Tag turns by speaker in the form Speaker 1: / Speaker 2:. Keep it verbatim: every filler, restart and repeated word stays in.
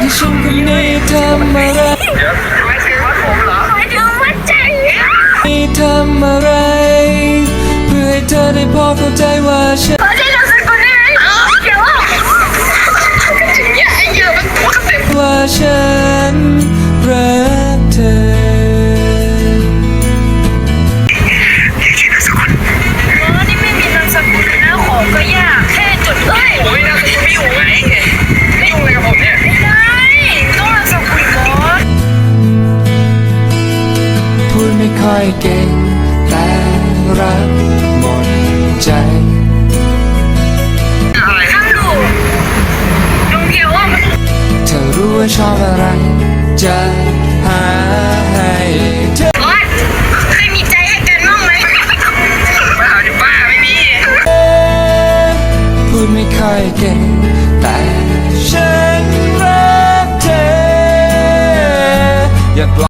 Speaker 1: ฉันคนนี้ทำอะไร
Speaker 2: ไม่ถึงว่าผมเหรอไม่ถึงว่าใจ
Speaker 1: นี่ทำอะไรเพื่อให้เธอได้พอเข้าใจว่าฉัน
Speaker 2: ขอใช้นามสกุลได้ไหมเดี๋ยวถึงเนี่ยไอ้เหี้ยมันหัวกระเต็ม
Speaker 1: ว่าฉันรักเธอ
Speaker 2: นี่ไม่มีนามสกุลนะขอก็ยากแค่จุดเอ้ยผมไม่นามสกุลไม่อยู่ไงไม่ยุ่งอะไรกับผมเนี่ยไม่ได้ต้องนามสกุลก่อน
Speaker 1: พูดไม่ค่อยเก่งแต่รักหมดใจ
Speaker 2: ทำดูลงเดียวว่า
Speaker 1: เธอรู้ว่าชอบอะไรจะหาให้เธอ
Speaker 2: เคยมีใจให้กันบ้างไหมบ้าจะบ้าไม่มี
Speaker 1: พูดไม่ค่อยเก่งแต่ฉันรักเธออย่า